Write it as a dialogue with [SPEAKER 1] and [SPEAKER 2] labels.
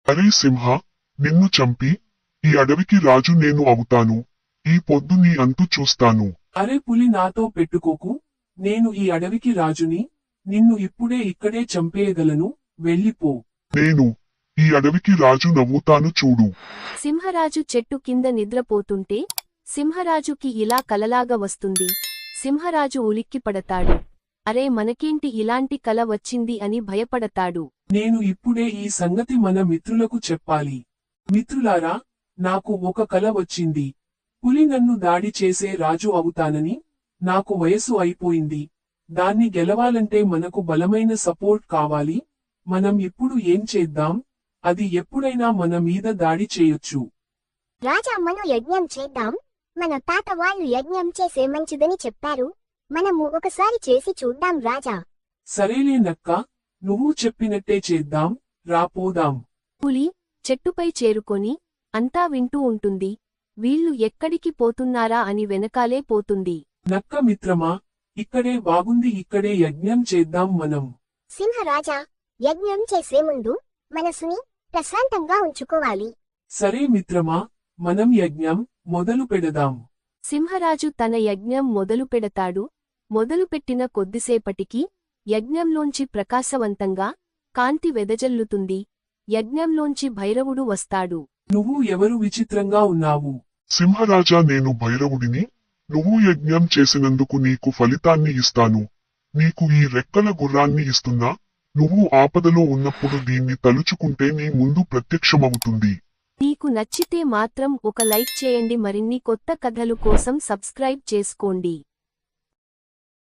[SPEAKER 1] అరే సింహ, నిన్ను చంపి ఈ అడవికి రాజు నేను అవుతాను. ఈ పొద్దు నీ అంతు చూస్తాను.
[SPEAKER 2] అరే పులి నాతో పెట్టుకోకు, నేను ఈ అడవికి రాజుని, నిన్ను ఇప్పుడే ఇక్కడే చంపేయగలను, వెళ్ళిపో.
[SPEAKER 1] నేను ఈ అడవికి రాజు నవ్వుతాను చూడు.
[SPEAKER 3] సింహరాజు చెట్టు కింద నిద్రపోతుంటే సింహరాజుకి ఇలా కలలాగా వస్తుంది. సింహరాజు ఉలిక్కిపడతాడు. అరే మనకేంటి ఇలాంటి కల వచ్చింది అని భయపడతాడు.
[SPEAKER 2] నేను ఇప్పుడే ఈ సంగతి మన మిత్రులకు చెప్పాలి. మిత్రులారా, నాకు ఒక కల వచ్చింది. పులి నన్ను దాడి చేసే రాజు అవుతానని. నాకు వయసు అయిపోయింది. దాన్ని గెలవాలంటే మనకు బలమైన సపోర్ట్ కావాలి. మనం ఇప్పుడు ఏం చేద్దాం? అది ఎప్పుడైనా మన మీద దాడి చేయొచ్చు.
[SPEAKER 4] రాజా మనం యజ్ఞం చేద్దాం. మన తాత వాళ్ళు యజ్ఞం చేసే మంచిదని చెప్పారు. మనము ఒకసారి చేసి చూద్దాం రాజా.
[SPEAKER 2] సరేలే నక్క, నువ్వు చెప్పినట్టే చేద్దాం, రాపోదాం.
[SPEAKER 3] పులి చెట్టుపై చేరుకొని అంతా వింటూ ఉంటుంది. వీళ్ళు ఎక్కడికి పోతున్నారా అని వెనకాలే పోతుంది.
[SPEAKER 2] నక్క మిత్రమా, ఇక్కడే బాగుంది, ఇక్కడే యజ్ఞం చేద్దాం మనం.
[SPEAKER 4] సింహరాజా, యజ్ఞం చేసే ముందు మనసుని ప్రశాంతంగా ఉంచుకోవాలి.
[SPEAKER 2] సరే మిత్రమా, మనం యజ్ఞం మొదలు పెడదాం.
[SPEAKER 3] సింహరాజు తన యజ్ఞం మొదలుపెడతాడు. మొదలుపెట్టిన కొద్దిసేపటికి యజ్ఞంలోంచి ప్రకాశవంతంగా కాంతి వెదజల్లుతుంది. యజ్ఞంలోంచి భైరవుడు వస్తాడు.
[SPEAKER 2] నువ్వు ఎవరు విచిత్రంగా ఉన్నావు?
[SPEAKER 1] సింహరాజా, నేను భైరవుడిని. నువ్వు యజ్ఞం చేసినందుకు నీకు ఫలితాన్ని ఇస్తాను. నీకు ఈ రెక్కల గుర్రాన్ని ఇస్తున్నా. నువ్వు ఆపదలో ఉన్నప్పుడు దీన్ని తలుచుకుంటే నీ ముందు ప్రత్యక్షమవుతుంది.
[SPEAKER 3] మీకు నచ్చితే మాత్రం ఒక లైక్ చేయండి. మరిన్ని కొత్త కథలు కోసం సబ్స్క్రైబ్ చేసుకోండి.